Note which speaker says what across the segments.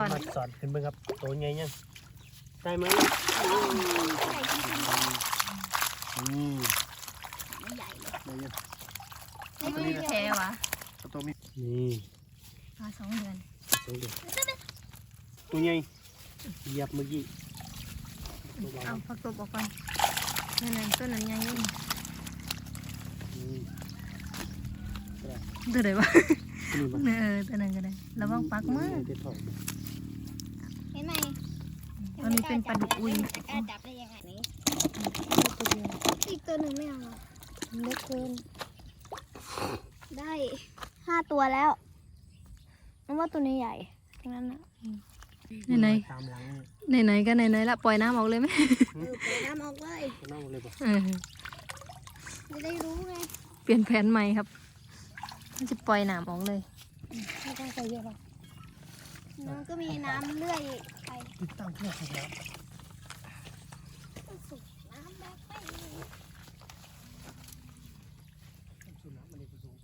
Speaker 1: มาสอนขึ้นเบิ่งครับตัวใหญ่ยังได้ไหมนี่
Speaker 2: ไม่ใหญ่เลย
Speaker 1: ได้ยัง
Speaker 2: ไม่มีแผลวะ
Speaker 1: ตัวมีนี่
Speaker 2: มา2 เดือน
Speaker 1: ตัวเดียวตัวใหญ่เหยียบเมื่อกี้
Speaker 2: เอาผักตบออกก่อนนั่นต้นนั้นใหญ่ยิ่งตัวไหนวะตัวนั้นก็ได้ระวังปักมือเห็นไหมอันนี้เป็นปลาดุกอุยจะกล้าจับได้ยังไงนี่ตัวเดียวอีกตัวหนึ่งไม่เอาเล็กเกินได้5 ตัวแล้วนั่นว่าตัวนี้ใหญ่ทั้งนั้นนะไหนก็ไหนละปล่อยน้ำออกเลยไหมปล่อยน้ำออกเลย
Speaker 1: น้ำเลยป่ะ
Speaker 2: จะได้รู้ไงเปลี่ยนแผนใหม่ครับจะปล่อยน้ำออกเลยไม่ต้องใส่เยอะหรอกมันก็มีน้ำเลื่อยไป
Speaker 1: ตั้งเพื่อสุดแล้ว
Speaker 2: น้ำแบบไม่
Speaker 1: สุดน้ำมันเลยผสม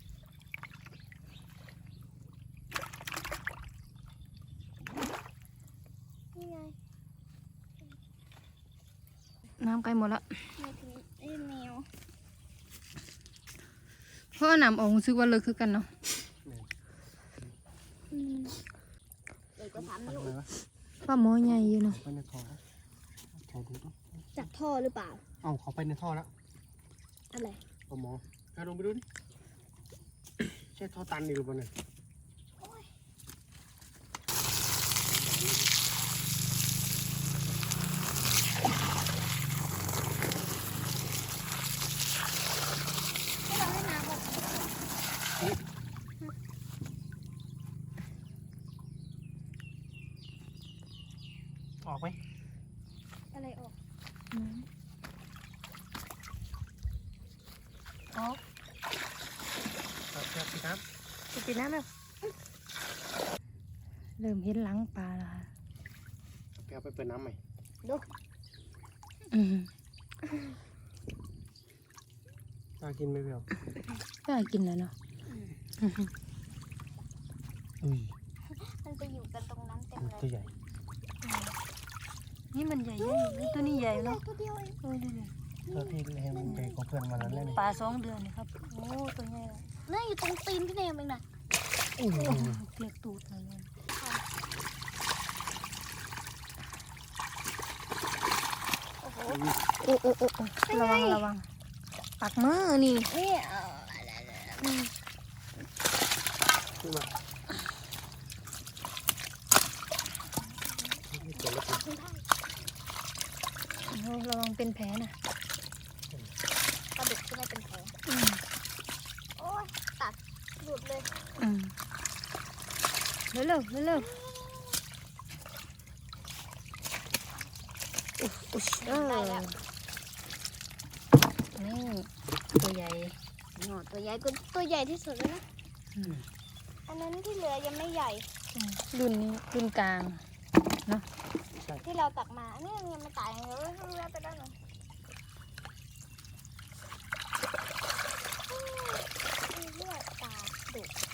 Speaker 2: นี่ไงน้ำใกล้หมดแล้วแมวเพราะน้ำออกรู้สึกว่าเลิกคือกันเนาะเลยก็3 นิ้วว่าหม้อใหญ่อยู่เนาะ
Speaker 1: ไปในท่อดูต้อง
Speaker 2: จากท่อหรือเปล่า
Speaker 1: เอาเขาไปในท่อแล้ว
Speaker 2: อะไร
Speaker 1: เอาหมอการลงไปดูดิใช่ท่อตันอยู่หรือเปล่าเนี่ยออกไหม
Speaker 2: อะไรออกออก
Speaker 1: ปิดน้
Speaker 2: ำปิดน้ำแล้วเริ่มเห็นหลังปลาแล้ว
Speaker 1: แกไปเปิดน้ำใหม่
Speaker 2: ดู
Speaker 1: กล้ากินไหมพี่อ๋
Speaker 2: ก็กินแล้วเนาะมันไปอยู่กันตรงนั้นเต็มเลย
Speaker 1: ตัวใหญ่
Speaker 2: นี่มันใหญ่ๆตัวนี้ใหญ่เนาะตัวเดียวเอง
Speaker 1: ตัวที่เห็นมันใหญ่กว่าเพื่อนมาแล้วเนี่ย
Speaker 2: ปลา2 เดือนนี่ครับโอ้ตัวใหญ่เลยนี่อยู่ตรงตีนพี่เนมเองนะเกลียดตูดเลยโอ้โหระวังปักมือนี่
Speaker 1: ขึ้นมา
Speaker 2: ระวังเป็นแผลนะปลาดุกก็ไม่เป็นแผลโอ้ยตัดหลุดเลยเร็วอุ๊ยได้แล้วนี่ตัวใหญ่ตัวใหญ่ก็ตัวใหญ่ที่สุดแล้วนะอันนั้นที่เหลือยังไม่ใหญ่รุ่นนี้รุ่นกลางเนาะที่เราตักมาเนี่ยยังไม่ตายเลยเลือดไปได้เลยเลือดตาดุ